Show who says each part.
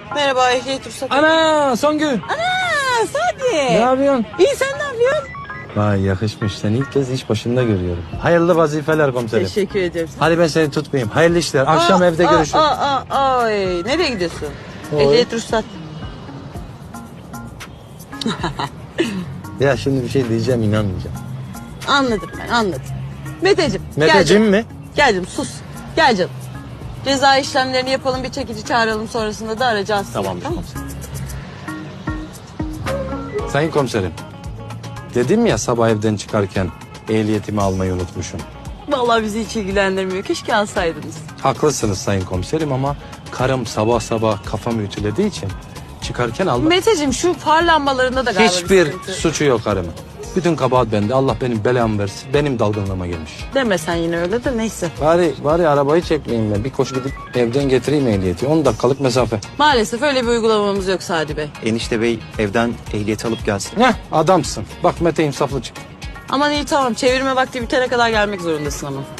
Speaker 1: Merhaba, ehliyet ruhsatı.
Speaker 2: Ana Songül.
Speaker 1: Ana Sadi.
Speaker 2: Ne yapıyorsun?
Speaker 1: İyi, sen ne yapıyorsun?
Speaker 2: Vay yakışmış. Seni ilk kez iş başında görüyorum. Hayırlı vazifeler komiserim.
Speaker 1: Teşekkür ederim.
Speaker 2: Hadi ben seni tutmayayım. Hayırlı işler. Akşam evde görüşürüz.
Speaker 1: Ay, nereye gidiyorsun?
Speaker 2: Oy.
Speaker 1: Ehliyet ruhsat.
Speaker 2: Ya şimdi bir şey diyeceğim inanmayacağım.
Speaker 1: Anladım ben, anladım. Meteciğim. gel
Speaker 2: Meteciğim
Speaker 1: canım.
Speaker 2: mi?
Speaker 1: Gel canım, sus. Gel canım. Ceza işlemlerini yapalım, bir çekici çağıralım, sonrasında da aracı alsın.
Speaker 2: Tamamdır
Speaker 1: Tamam.
Speaker 2: komiserim. Sayın komiserim. Dedim ya sabah evden çıkarken ehliyetimi almayı unutmuşum.
Speaker 1: Vallahi bizi hiç ilgilendirmiyor. Keşke alsaydınız.
Speaker 2: Haklısınız sayın komiserim ama karım sabah sabah kafamı ütülediği için çıkarken almak...
Speaker 1: Meteciğim, şu far lambalarında da galiba
Speaker 2: Hiçbir
Speaker 1: bir sıkıntı.
Speaker 2: suçu yok karımın. Bütün kabahat bende. Allah benim belamı versin. Benim dalgınlığıma gelmiş.
Speaker 1: Deme sen yine öyle de, neyse.
Speaker 2: Bari arabayı çekmeyeyim ben. Bir koşu gidip evden getireyim ehliyeti. 10 dakikalık mesafe.
Speaker 1: Maalesef öyle bir uygulamamız yok Sadi Bey.
Speaker 3: Enişte bey evden ehliyeti alıp gelsin.
Speaker 2: Heh adamsın. Bak Mete insaflı çık.
Speaker 1: Aman iyi, tamam, çevirme vakti bitene kadar gelmek zorundasın ama.